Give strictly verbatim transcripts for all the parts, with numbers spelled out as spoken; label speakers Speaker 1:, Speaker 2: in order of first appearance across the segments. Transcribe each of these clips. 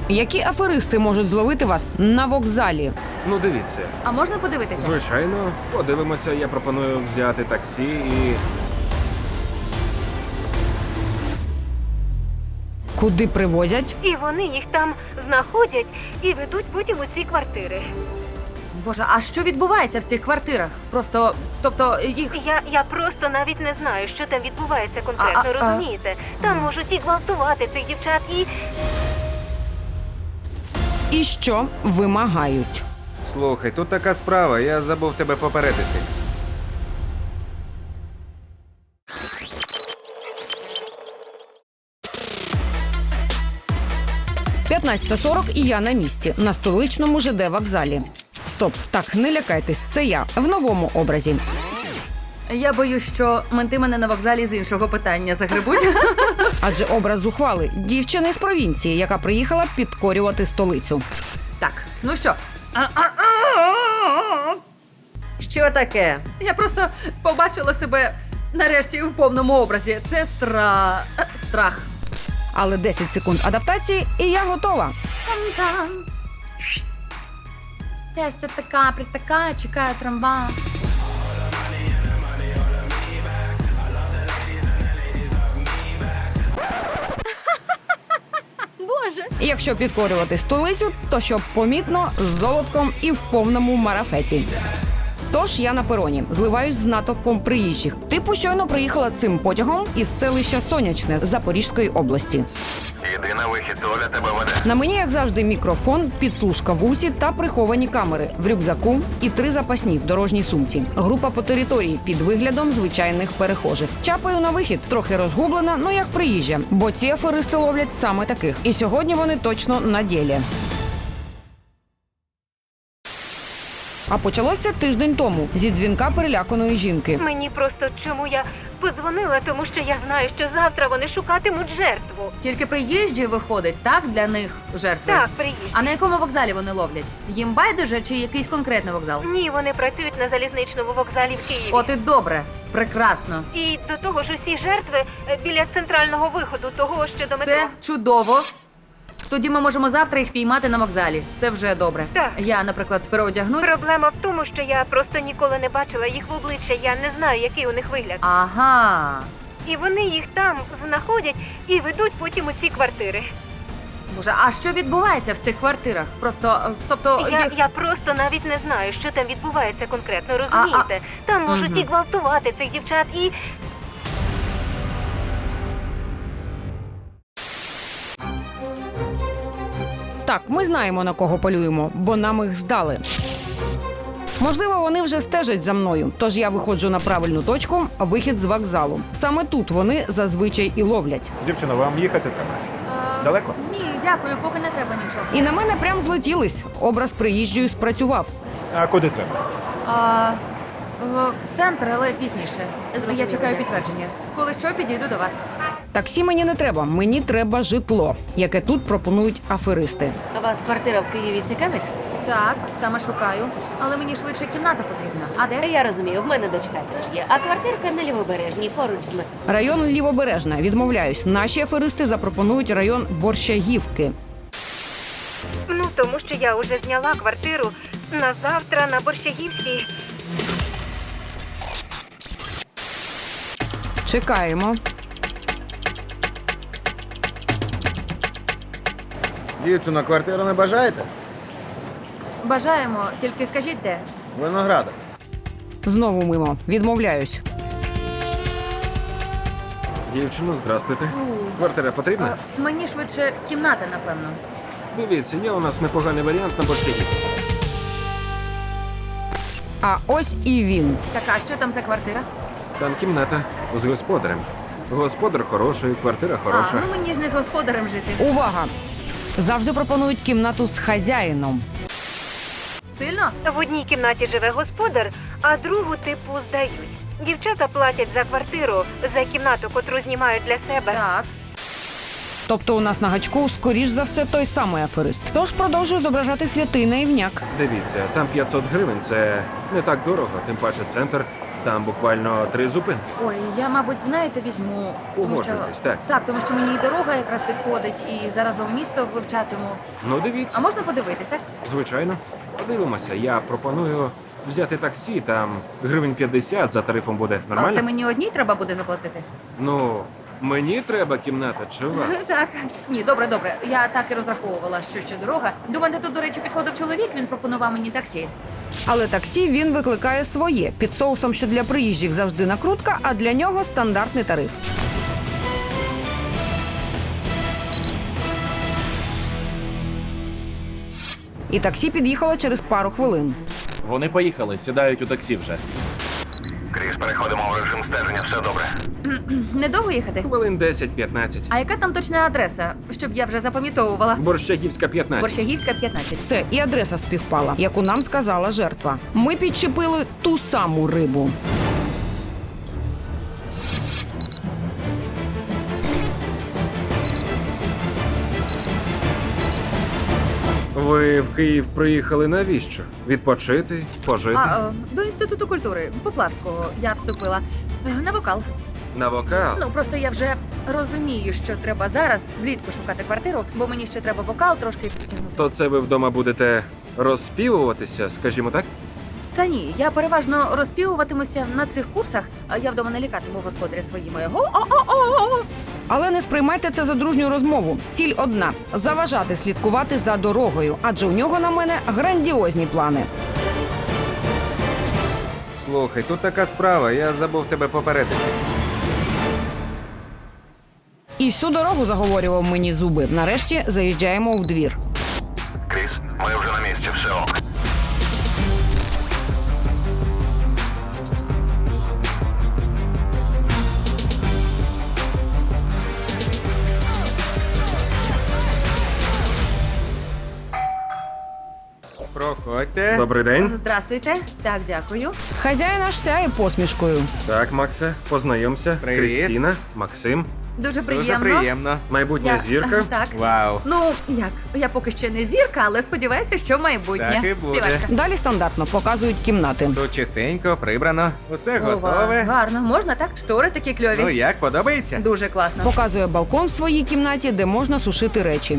Speaker 1: Які аферисти можуть зловити вас на вокзалі?
Speaker 2: Ну, дивіться.
Speaker 3: А можна подивитися?
Speaker 2: Звичайно, подивимося, я пропоную взяти таксі і...
Speaker 1: Куди привозять?
Speaker 4: І вони їх там знаходять і ведуть потім у ці квартири.
Speaker 3: Боже, а що відбувається в цих квартирах? Просто, тобто, їх...
Speaker 4: Я, я просто навіть не знаю, що там відбувається конкретно,
Speaker 3: А, а, а.
Speaker 4: розумієте? Там можуть і гвалтувати цих дівчат, і...
Speaker 1: І що вимагають?
Speaker 5: Слухай, тут така справа, я забув тебе попередити.
Speaker 1: п'ятнадцята сорок і я на місці, на столичному ЖД вокзалі. Стоп, так, не лякайтесь, це я, в новому образі.
Speaker 3: Я боюсь, що менти мене на вокзалі з іншого питання загребуть.
Speaker 1: Адже образ зухвали – дівчини з провінції, яка приїхала підкорювати столицю.
Speaker 3: Так, ну що? Що таке? Я просто побачила себе нарешті в повному образі. Це стра... страх.
Speaker 1: Але десять секунд адаптації і я готова.
Speaker 3: Там-там. Я все така, притакаю, чекаю трамвай. Боже.
Speaker 1: І якщо підкорювати столицю, то щоб помітно, з золотком і в повному марафеті. Тож я на пероні, зливаюсь з натовпом приїжджих. Типу щойно приїхала цим потягом із селища Сонячне Запорізької області.
Speaker 6: Іди на вихід, Оля тебе веде.
Speaker 1: На мені, як завжди, мікрофон, підслужка в усі та приховані камери в рюкзаку і три запасні в дорожній сумці. Група по території під виглядом звичайних перехожих. Чапаю на вихід, трохи розгублена, ну як приїжджа, бо ці аферисти ловлять саме таких. І сьогодні вони точно на ділі. А почалося тиждень тому зі дзвінка переляканої жінки.
Speaker 4: Мені просто чому я подзвонила, тому що я знаю, що завтра вони шукатимуть жертву.
Speaker 3: Тільки приїжджі виходить, так, для них жертви?
Speaker 4: Так, приїжджі.
Speaker 3: А на якому вокзалі вони ловлять? Їм байдуже чи якийсь конкретний вокзал?
Speaker 4: Ні, вони працюють на залізничному вокзалі в Києві.
Speaker 3: От і добре, прекрасно.
Speaker 4: І до того ж усі жертви е, біля центрального виходу того, що до метро.
Speaker 3: Це чудово. Тоді ми можемо завтра їх піймати на вокзалі. Це вже добре.
Speaker 4: Так.
Speaker 3: Я, наприклад, переодягнусь.
Speaker 4: Проблема в тому, що я просто ніколи не бачила їх в обличчя, я не знаю, який у них вигляд.
Speaker 3: Ага.
Speaker 4: І вони їх там знаходять і ведуть потім у ці квартири.
Speaker 3: Боже, а що відбувається в цих квартирах? Просто, е, тобто,
Speaker 4: Я,
Speaker 3: їх...
Speaker 4: я просто навіть не знаю, що там відбувається конкретно, розумієте? Там можуть
Speaker 3: Мгм.
Speaker 4: і гвалтувати цих дівчат, і...
Speaker 1: Так, ми знаємо, на кого полюємо, бо нам їх здали. Можливо, вони вже стежать за мною, тож я виходжу на правильну точку – вихід з вокзалу. Саме тут вони зазвичай і ловлять.
Speaker 7: Дівчино, вам їхати треба?
Speaker 3: Е,
Speaker 7: Далеко?
Speaker 3: Ні, дякую, поки не треба нічого.
Speaker 1: І на мене прям злетілись. Образ приїжджої спрацював.
Speaker 7: А куди треба?
Speaker 3: А, в центр, але пізніше. Я чекаю підтвердження. Коли що, підійду до вас.
Speaker 1: Таксі мені не треба, мені треба житло, яке тут пропонують аферисти.
Speaker 8: Вас квартира в Києві цікавить?
Speaker 3: Так, саме шукаю. Але мені швидше кімната потрібна. А де?
Speaker 8: Я розумію, в мене дочка теж є. А квартирка на Лівобережній, поруч з метро.
Speaker 1: Район Лівобережна. Відмовляюсь. Наші аферисти запропонують район Борщагівки.
Speaker 4: Ну, тому що я вже зняла квартиру на завтра на Борщагівській.
Speaker 1: Чекаємо.
Speaker 5: Дівчино, квартиру не бажаєте?
Speaker 3: Бажаємо, тільки скажіть де.
Speaker 5: Виноградок.
Speaker 1: Знову мимо. Відмовляюсь.
Speaker 2: Дівчино, здрастуйте. Квартира потрібна?
Speaker 3: А, мені швидше кімната, напевно.
Speaker 2: Дивіться, є у нас непоганий варіант на Борщагівці.
Speaker 1: А ось і він.
Speaker 3: Так, а що там за квартира?
Speaker 2: Там кімната з господарем. Господар хороший, квартира хороша.
Speaker 3: А, ну мені ж не з господарем жити.
Speaker 1: Увага! Завжди пропонують кімнату з хазяїном.
Speaker 3: Сильно?
Speaker 4: В одній кімнаті живе господар, а другу типу здають. Дівчата платять за квартиру, за кімнату, котру знімають для себе.
Speaker 3: Так.
Speaker 1: Тобто у нас на гачку, скоріш за все, той самий аферист. Тож продовжую зображати святий наївняк.
Speaker 2: Дивіться, там п'ятсот гривень, це не так дорого, тим паче центр. Там буквально три зупинки.
Speaker 3: Ой, я, мабуть, знаєте, візьму. Тому що...
Speaker 2: Погоджуйтесь, так.
Speaker 3: Так, тому що мені і дорога якраз підходить, і заразом місто вивчатиму.
Speaker 2: Ну, дивіться.
Speaker 3: А можна подивитись, так?
Speaker 2: Звичайно. Подивимося. Я пропоную взяти таксі, там гривень п'ятдесят за тарифом буде.
Speaker 3: А
Speaker 2: Нормально?
Speaker 3: це мені одній треба буде заплатити?
Speaker 2: Ну, мені треба кімната, чи вам?
Speaker 3: Так. Ні, добре, добре. Я так і розраховувала, що ще дорога. До мене тут, до речі, підходив чоловік, він пропонував мені таксі.
Speaker 1: Але таксі він викликає своє під соусом, що для приїжджих завжди накрутка, а для нього стандартний тариф. І таксі під'їхало через пару хвилин.
Speaker 9: Вони поїхали, сідають у таксі вже.
Speaker 6: Кріс, переходимо в режим стеження, все добре.
Speaker 3: Недовго їхати?
Speaker 2: Хвилин десять-п'ятнадцять.
Speaker 3: А яка там точна адреса, щоб я вже запам'ятовувала?
Speaker 2: Борщагівська, п'ятнадцять.
Speaker 3: Борщагівська, п'ятнадцять.
Speaker 1: Все, і адреса співпала, яку нам сказала жертва. Ми підчепили ту саму рибу.
Speaker 2: Ви в Київ приїхали навіщо? Відпочити? Пожити?
Speaker 3: А, е, до Інституту культури Поплавського я вступила. Е, На вокал.
Speaker 2: На вокал?
Speaker 3: Ну, просто я вже розумію, що треба зараз влітку шукати квартиру, бо мені ще треба вокал трошки підтягнути.
Speaker 2: То це ви вдома будете розспівуватися, скажімо так?
Speaker 3: Та ні, я переважно розпівуватимуся на цих курсах, а я вдома не лякатиму господаря своїми го-о-о-о.
Speaker 1: Але не сприймайте це за дружню розмову. Ціль одна – заважати слідкувати за дорогою, адже у нього на мене грандіозні плани.
Speaker 5: Слухай, тут така справа, я забув тебе попередити.
Speaker 1: І всю дорогу заговорював мені зуби. Нарешті заїжджаємо в двір.
Speaker 6: Кріс, ми вже на місці, все ок.
Speaker 5: Проходьте.
Speaker 2: Добрий день.
Speaker 3: Здрастуйте. Так, дякую.
Speaker 1: Хазяїн аж сяє посмішкою.
Speaker 2: Так, Максе, познайомся.
Speaker 5: Привіт.
Speaker 2: Крістіна, Максим,
Speaker 3: Дуже приємно.
Speaker 5: Дуже приємно.
Speaker 2: майбутня
Speaker 3: Я-
Speaker 2: зірка.
Speaker 3: Так.
Speaker 5: Вау.
Speaker 3: Ну, як? Я поки ще не зірка, але сподіваюся, що майбутнє.
Speaker 5: Так і буде.
Speaker 3: Співачка.
Speaker 1: Далі стандартно показують кімнати.
Speaker 5: Тут чистенько, прибрано, усе
Speaker 3: Ова,
Speaker 5: готове.
Speaker 3: гарно. Можна так? Штори такі кльові.
Speaker 5: Ну як, подобається?
Speaker 3: Дуже класно.
Speaker 1: Показує балкон в своїй кімнаті, де можна сушити речі.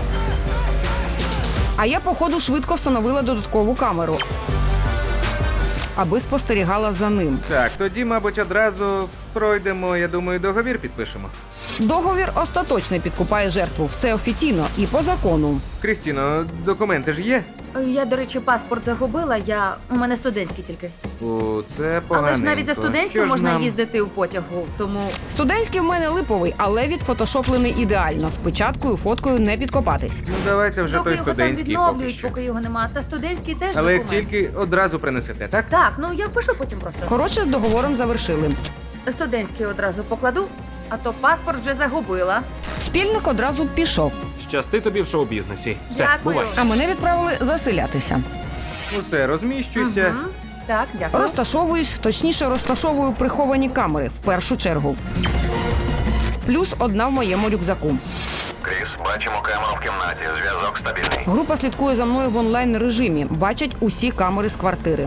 Speaker 1: А я, походу, швидко встановила додаткову камеру, аби спостерігала за ним.
Speaker 5: Так, тоді, мабуть, одразу пройдемо, я думаю, договір підпишемо.
Speaker 1: Договір остаточно підкупає жертву. Все офіційно і по закону.
Speaker 5: Крістіно, документи ж є?
Speaker 3: Я, до речі, паспорт загубила. Я у мене студентський тільки.
Speaker 5: О, це поганенько.
Speaker 3: Але ж навіть за студентським
Speaker 5: Що ж
Speaker 3: можна
Speaker 5: нам?
Speaker 3: їздити у потягу, тому
Speaker 1: Студентський в мене липовий, але відфотошоплений ідеально. З печаткою, фоткою не підкопатись.
Speaker 5: Ну давайте вже
Speaker 3: доки
Speaker 5: той
Speaker 3: його там
Speaker 5: студентський поки
Speaker 3: відновлюють,
Speaker 5: що.
Speaker 3: поки його нема. Та студентський теж
Speaker 5: Але як
Speaker 3: документ.
Speaker 5: тільки одразу принесете, так?
Speaker 3: Так, ну я впишу потім просто.
Speaker 1: Коротше, з договором завершили.
Speaker 3: Студентський одразу покладу, а то паспорт вже загубила.
Speaker 1: Спільник одразу пішов,
Speaker 2: Щасти тобі в шоу-бізнесі. Все,
Speaker 3: Дякую.
Speaker 2: бувай.
Speaker 1: а мене відправили заселятися.
Speaker 5: Усе, розміщуйся.
Speaker 3: Мгм. Так, дякую.
Speaker 1: Розташовуюсь, точніше розташовую приховані камери в першу чергу. Плюс одна в моєму рюкзаку.
Speaker 6: Кріс, бачимо камеру в кімнаті, зв'язок стабільний.
Speaker 1: Група слідкує за мною в онлайн режимі, бачать усі камери з квартири.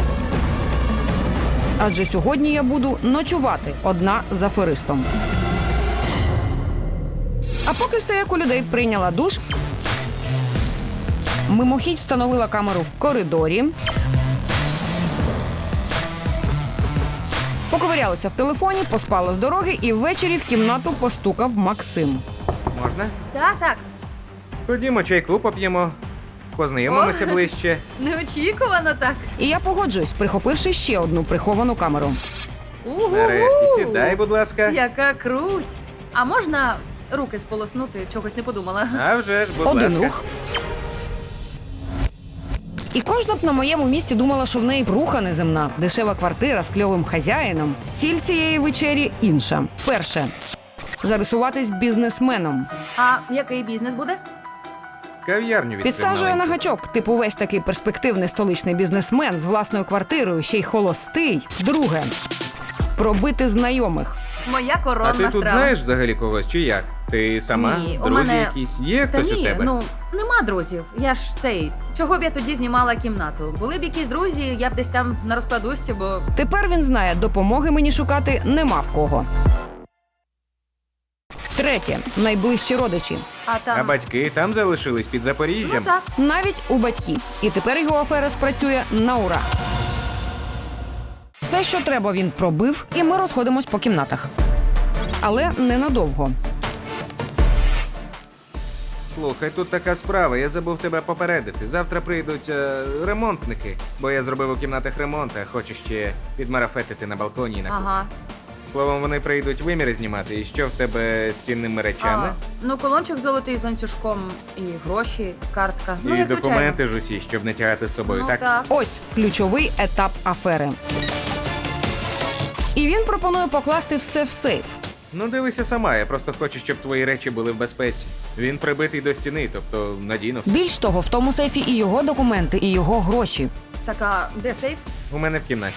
Speaker 1: Адже сьогодні я буду ночувати одна з аферистом. А поки все як у людей, прийняла душ. Мимохідь встановила камеру в коридорі. Поковирялася в телефоні, поспала з дороги і ввечері в кімнату постукав Максим.
Speaker 5: Можна?
Speaker 3: Так, так.
Speaker 5: Ходімо, чайку поп'ємо. Познайомимося
Speaker 3: О.
Speaker 5: ближче.
Speaker 3: Неочікувано так.
Speaker 1: І я погоджуюсь, прихопивши ще одну приховану камеру.
Speaker 3: Угу.
Speaker 5: Нарешті сідай, будь ласка.
Speaker 3: Яка круть. А можна руки сполоснути? Чогось не подумала.
Speaker 5: А вже ж, будь
Speaker 1: Один
Speaker 5: ласка.
Speaker 1: рух. І кожна б на моєму місці думала, що в неї бруха неземна, дешева квартира з кльовим хазяїном. Ціль цієї вечері інша. Перше – зарисуватись бізнесменом.
Speaker 3: А який бізнес буде?
Speaker 5: Кав'ярню відкрив
Speaker 1: Підсаджує на
Speaker 5: маленьку.
Speaker 1: гачок, типу весь такий перспективний столичний бізнесмен з власною квартирою, ще й холостий. Друге – пробити знайомих.
Speaker 3: Моя
Speaker 5: А
Speaker 3: коронна
Speaker 5: ти тут
Speaker 3: страва.
Speaker 5: знаєш взагалі когось, чи як? Ти сама?
Speaker 3: Ні, у
Speaker 5: Друзі
Speaker 3: мене-
Speaker 5: якісь? Є
Speaker 3: Та
Speaker 5: хтось
Speaker 3: ні,
Speaker 5: у тебе?
Speaker 3: ну нема друзів. Я ж цей. Чого б я тоді знімала кімнату? Були б якісь друзі, я б десь там на розкладушці, бо
Speaker 1: Тепер він знає, допомоги мені шукати нема в кого. Третє. Найближчі родичі.
Speaker 3: а там.
Speaker 5: А батьки там залишились під
Speaker 3: Ну
Speaker 5: Запоріжжям?
Speaker 3: так.
Speaker 1: Навіть у батьків. І тепер його афера спрацює на ура. Все, що треба, він пробив, і ми розходимось по кімнатах. Але ненадовго.
Speaker 5: Слухай, тут така справа, я забув тебе попередити. Завтра прийдуть е, ремонтники, бо я зробив у кімнатах ремонт, а хочу ще підмарафетити на балконі і на кухні.
Speaker 3: Ага.
Speaker 5: Словом, вони прийдуть виміри знімати. І що в тебе з цінними речами?
Speaker 3: А, ну, колончик золотий з ланцюжком, і гроші, картка.
Speaker 5: І
Speaker 3: ну, як
Speaker 5: документи ж усі, щоб не тягати з собою,
Speaker 3: звичайно. Ну,
Speaker 5: так?
Speaker 3: так.
Speaker 1: Ось ключовий етап афери. І він пропонує покласти все в сейф.
Speaker 5: Ну дивися сама, я просто хочу, щоб твої речі були в безпеці. Він прибитий до стіни, тобто надійно все.
Speaker 1: Більш того, в тому сейфі і його документи, і його гроші.
Speaker 3: Так, а де сейф?
Speaker 5: У мене в кімнаті.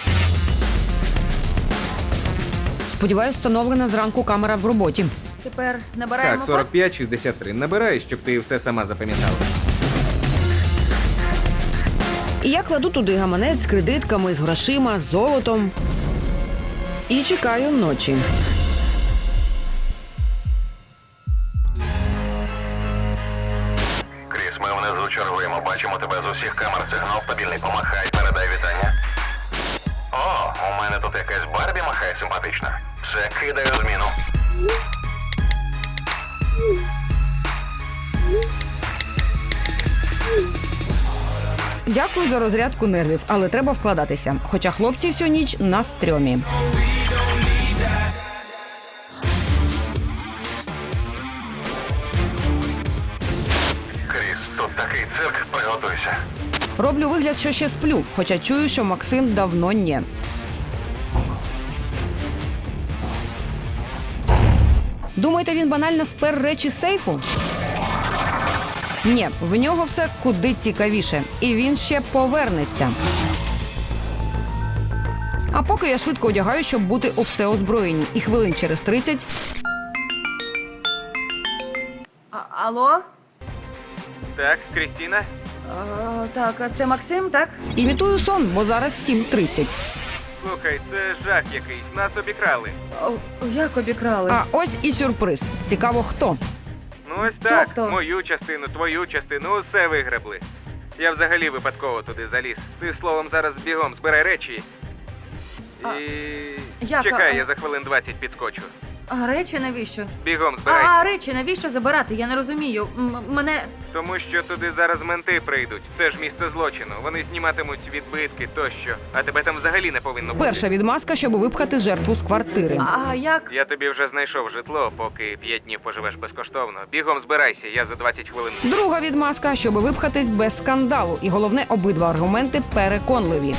Speaker 1: Сподіваюсь, встановлена зранку камера в роботі.
Speaker 3: Тепер набираємо
Speaker 5: Так, сорок п'ять шістдесят три. Набирай, щоб ти все сама запам'ятала.
Speaker 1: І я кладу туди гаманець з кредитками, з грошима, з золотом. І чекаю ночі.
Speaker 6: Кріс, ми внизу чергуємо. Бачимо тебе з усіх камер. Сигнал стабільний. Помахай, передай вітання. О, у мене тут якась Барбі махає симпатична. Це кидаю зміну.
Speaker 1: Дякую за розрядку нервів, але треба вкладатися. Хоча хлопці всю ніч на стрьомі.
Speaker 6: Кріс, тут такий цирк, приготуйся.
Speaker 1: Роблю вигляд, що ще сплю, хоча чую, що Максим давно ні. Думаєте, він банально спер речі з сейфу? Ні, в нього все куди цікавіше. І він ще повернеться. А поки я швидко одягаю, щоб бути у всеозброєнні. І хвилин через тридцять
Speaker 3: А, алло?
Speaker 5: Так, Крістіна?
Speaker 3: А, так, а це Максим, так?
Speaker 1: імітую сон, бо зараз сім тридцять.
Speaker 5: Слухай, це жах якийсь. Нас обікрали.
Speaker 3: О, як обікрали?
Speaker 1: А ось і сюрприз. Цікаво, хто.
Speaker 5: Ну ось так,
Speaker 3: Тобто?
Speaker 5: мою частину, твою частину, усе вигребли. Я взагалі випадково туди заліз. Ти словом зараз бігом збирай речі. І.
Speaker 3: як,
Speaker 5: Чекай,
Speaker 3: а-
Speaker 5: я за хвилин двадцять підскочу.
Speaker 3: А речі навіщо?
Speaker 5: Бігом
Speaker 3: А,
Speaker 5: збирай.
Speaker 3: а речі навіщо забирати? Я не розумію. М- мене.
Speaker 5: Тому що туди зараз менти прийдуть. Це ж місце злочину. Вони зніматимуть відбитки тощо. А тебе там взагалі не повинно бути.
Speaker 1: Перша відмазка, щоб випхати жертву з квартири.
Speaker 3: А як?
Speaker 5: Я тобі вже знайшов житло, поки п'ять днів поживеш безкоштовно. Бігом збирайся, я за двадцять хвилин.
Speaker 1: Друга відмазка, щоб випхатись без скандалу. І головне, обидва аргументи переконливі.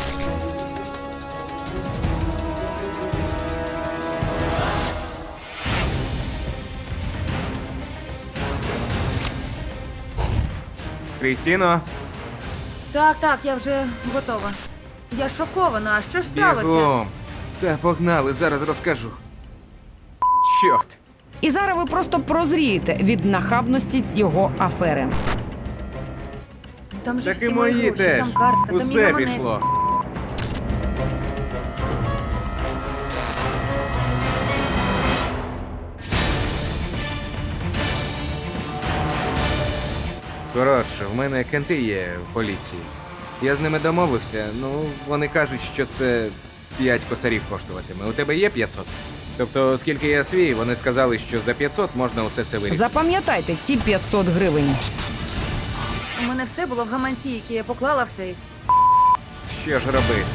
Speaker 5: Крістіно,
Speaker 3: Так, так, я вже готова. Я шокована. А що ж сталося?
Speaker 5: бігом. Та погнали, зараз розкажу. Чорт.
Speaker 1: І зараз ви просто прозрієте від нахабності його афери.
Speaker 3: Там же
Speaker 5: Так
Speaker 3: всі
Speaker 5: і
Speaker 3: мої
Speaker 5: мої
Speaker 3: гроші,
Speaker 5: теж.
Speaker 3: там картка, там мій
Speaker 5: Усе
Speaker 3: гаманець.
Speaker 5: пішло. Коротше, в мене кенти є в поліції. Я з ними домовився, ну, вони кажуть, що це п'ять косарів коштуватиме. У тебе є п'ятсот? Тобто, оскільки я свій, вони сказали, що за п'ятсот можна усе це вирішити.
Speaker 1: Запам'ятайте ці п'ятсот гривень.
Speaker 3: У мене все було в гаманці, який я поклала в сейф.
Speaker 5: Що ж робити?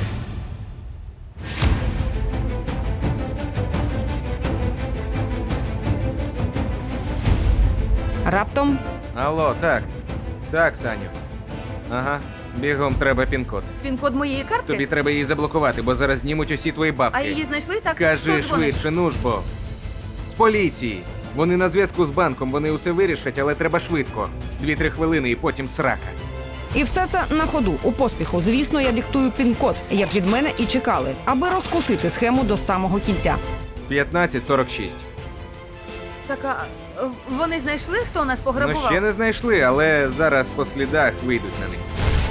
Speaker 1: Раптом
Speaker 5: Алло, так. Так, Саню. Ага, бігом треба пін-код.
Speaker 3: Пін-код моєї картки?
Speaker 5: Тобі треба її заблокувати, бо зараз знімуть усі твої бабки.
Speaker 3: А її знайшли, так?
Speaker 5: Кажи
Speaker 3: Хто дзвонить?
Speaker 5: швидше, ну ж бо. З поліції. Вони на зв'язку з банком, вони усе вирішать, але треба швидко. Дві-три хвилини і потім срака.
Speaker 1: і все це на ходу, у поспіху. Звісно, я диктую пін-код, як від мене і чекали, аби розкусити схему до самого кінця.
Speaker 5: п'ятнадцять сорок шість.
Speaker 3: Так, а е, вони знайшли, хто нас
Speaker 5: Ну
Speaker 3: пограбував?
Speaker 5: ще не знайшли, але зараз по слідах вийдуть на них.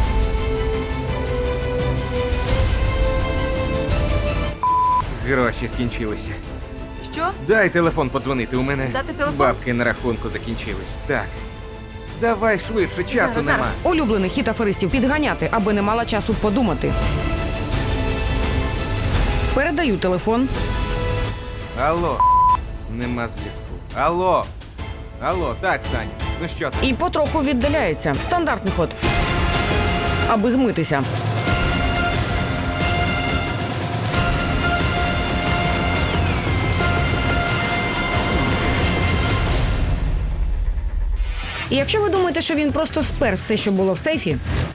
Speaker 5: Гроші скінчилися.
Speaker 3: Що?
Speaker 5: Дай телефон подзвонити, у мене
Speaker 3: Дати телефон?
Speaker 5: бабки на рахунку закінчились. Так. Давай швидше, часу
Speaker 3: Зараз,
Speaker 5: нема.
Speaker 3: зараз.
Speaker 1: Улюблений хід аферистів підганяти, аби не мала часу подумати. Передаю телефон.
Speaker 5: Алло. Нема зв'язку. Алло. Алло, так, Сань. Ну що ти?
Speaker 1: І потроху віддаляється. Стандартний ход. Аби змитися. І якщо ви думаєте, що він просто спер все, що було в сейфі,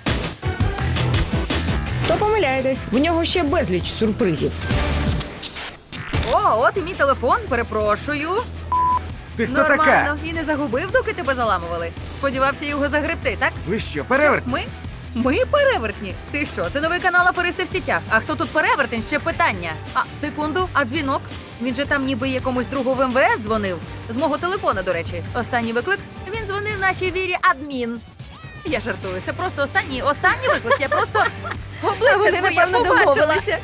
Speaker 1: то помиляєтесь. В нього ще безліч сюрпризів.
Speaker 3: О, от і мій телефон, перепрошую.
Speaker 5: Ти хто
Speaker 3: Нормально.
Speaker 5: така?
Speaker 3: І не загубив, доки тебе заламували. Сподівався його загребти, так?
Speaker 5: Ви що, перевертні?
Speaker 3: Ми? Ми перевертні? Ти що, це новий канал Аферисти в сітях. А хто тут перевертень? Ще питання. А, секунду, а дзвінок? Він же там ніби якомусь другу в ем ве ес дзвонив. З мого телефона, до речі. Останній виклик. Він дзвонив нашій вірі адмін. Я жартую. Це просто останній, останній виклик. Я просто обличчя
Speaker 8: Вони,
Speaker 3: твоє
Speaker 8: напевно,
Speaker 3: побачила.
Speaker 8: домовилися.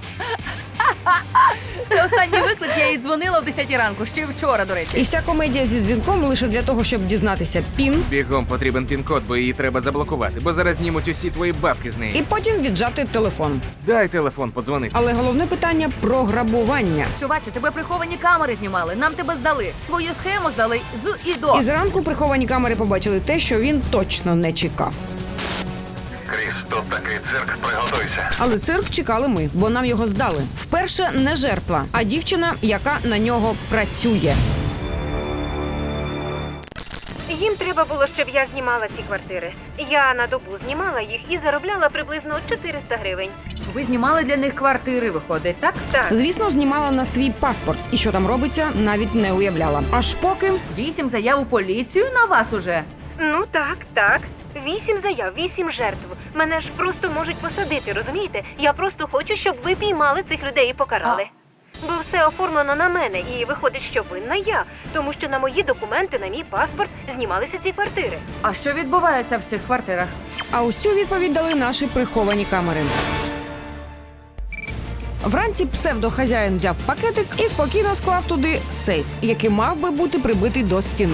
Speaker 3: Це останній виклик, я їй дзвонила о десятій ранку, ще вчора, до
Speaker 1: І
Speaker 3: речі.
Speaker 1: вся комедія зі дзвінком лише для того, щоб дізнатися пін
Speaker 5: Бігом потрібен пін-код, бо її треба заблокувати, бо зараз знімуть усі твої бабки з неї.
Speaker 1: і потім віджати телефон.
Speaker 5: Дай телефон подзвонити.
Speaker 1: Але головне питання про грабування.
Speaker 3: Чуваче, тебе приховані камери знімали, нам тебе здали. Твою схему здали з і до.
Speaker 1: І зранку приховані камери побачили те, що він точно не чекав.
Speaker 6: Кріс, тут такий цирк, приготуйся.
Speaker 1: Але цирк чекали ми, бо нам його здали. Вперше не жертва, а дівчина, яка на нього працює.
Speaker 4: Їм треба було, щоб я знімала ці квартири. Я на добу знімала їх і заробляла приблизно чотириста гривень.
Speaker 3: Ви знімали для них квартири, виходить, так?
Speaker 4: Так.
Speaker 1: Звісно, знімала на свій паспорт. І що там робиться, навіть не уявляла. Аж поки
Speaker 3: Вісім заяв у поліцію на вас уже.
Speaker 4: Ну так, так. Вісім заяв, вісім жертв. Мене ж просто можуть посадити, розумієте? Я просто хочу, щоб ви піймали цих людей і покарали. Бо все оформлено на мене, і виходить, що винна я. Тому що на мої документи, на мій паспорт знімалися ці квартири.
Speaker 3: А що відбувається в цих квартирах?
Speaker 1: А ось цю відповідь дали наші приховані камери. Вранці псевдохазяїн взяв пакетик і спокійно склав туди сейф, який мав би бути прибитий до стіни.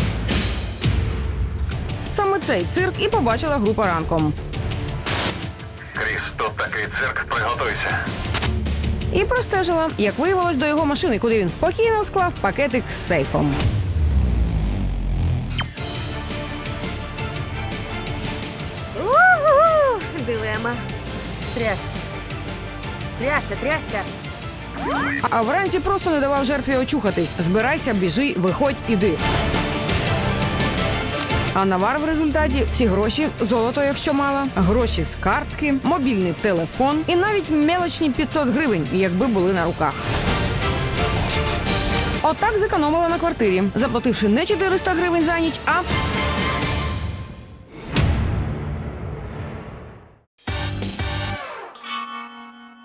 Speaker 1: Саме цей цирк і побачила група ранком.
Speaker 6: Кріс, тут такий цирк, приготуйся.
Speaker 1: І простежила, як виявилось, до його машини, куди він спокійно склав пакетик з сейфом.
Speaker 4: У-у-у! Дилема.
Speaker 3: Трясся. Трясся, трясся.
Speaker 1: А вранці просто не давав жертві очухатись. Збирайся, біжи, виходь, іди. А навар в результаті всі гроші, золото, якщо мала, гроші з картки, мобільний телефон і навіть мелочні п'ятсот гривень, якби були на руках. Отак зекономила на квартирі, заплативши не чотириста гривень за ніч, а